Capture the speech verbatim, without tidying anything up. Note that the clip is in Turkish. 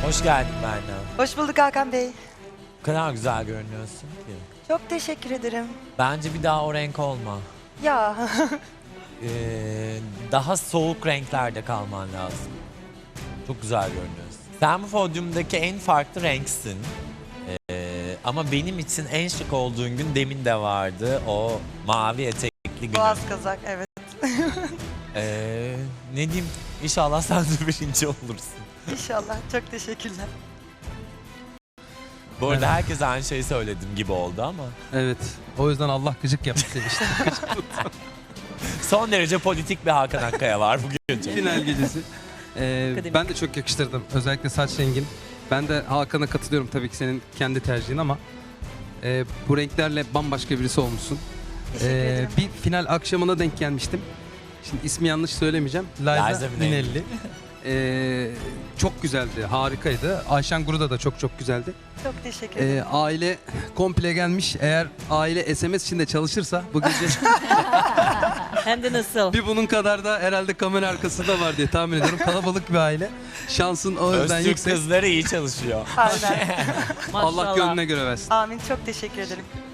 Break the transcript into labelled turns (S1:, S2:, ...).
S1: Hoş geldin Berna.
S2: Hoş bulduk Hakan Bey.
S1: O kadar güzel görünüyorsun ki.
S2: Çok teşekkür ederim.
S1: Bence bir daha o renk olma.
S2: Ya
S1: Ee, daha soğuk renklerde kalman lazım. Çok güzel görünüyorsun. Sen bu podyumdaki en farklı renksin. Ee, ama benim için en şık olduğun gün demin de vardı. O mavi etekli gün.
S2: boğaz kazak, evet.
S1: Ee, ne diyeyim? İnşallah sen de birinci olursun.
S2: İnşallah. Çok teşekkürler.
S1: Bu arada herkes aynı şeyi söyledim gibi oldu ama.
S3: Evet. O yüzden Allah gıcık yaptı seni işte.
S1: Son derece politik bir Hakan Akkaya var bugün.
S3: Final gecesi. Ee,
S2: Akademik.
S3: ben de çok yakıştırdım. Özellikle saç rengin. Ben de Hakan'a katılıyorum tabii ki senin kendi tercihin ama e, bu renklerle bambaşka birisi olmuşsun.
S2: Teşekkür
S3: Ee,
S2: ederim.
S3: bir final akşamına denk gelmiştim. Şimdi ismi yanlış söylemeyeceğim. Liza
S1: Liza Minnelli.
S3: Minnelli. Ee, çok güzeldi, harikaydı. Ayşen Guru'da da çok çok güzeldi.
S2: Çok teşekkür ederim.
S3: Ee, aile komple gelmiş. Eğer aile S M S içinde çalışırsa bu gece
S4: Hem de nasıl?
S3: bir bunun kadar da herhalde kamera arkasında var diye tahmin ediyorum. Kalabalık bir aile. Şansın o yüzden
S1: Öztürk
S3: yüksek.
S1: kızları iyi çalışıyor.
S2: Aynen.
S3: Allah
S4: Maşallah.
S3: gönlüne göre versin.
S2: Amin. Çok teşekkür ederim.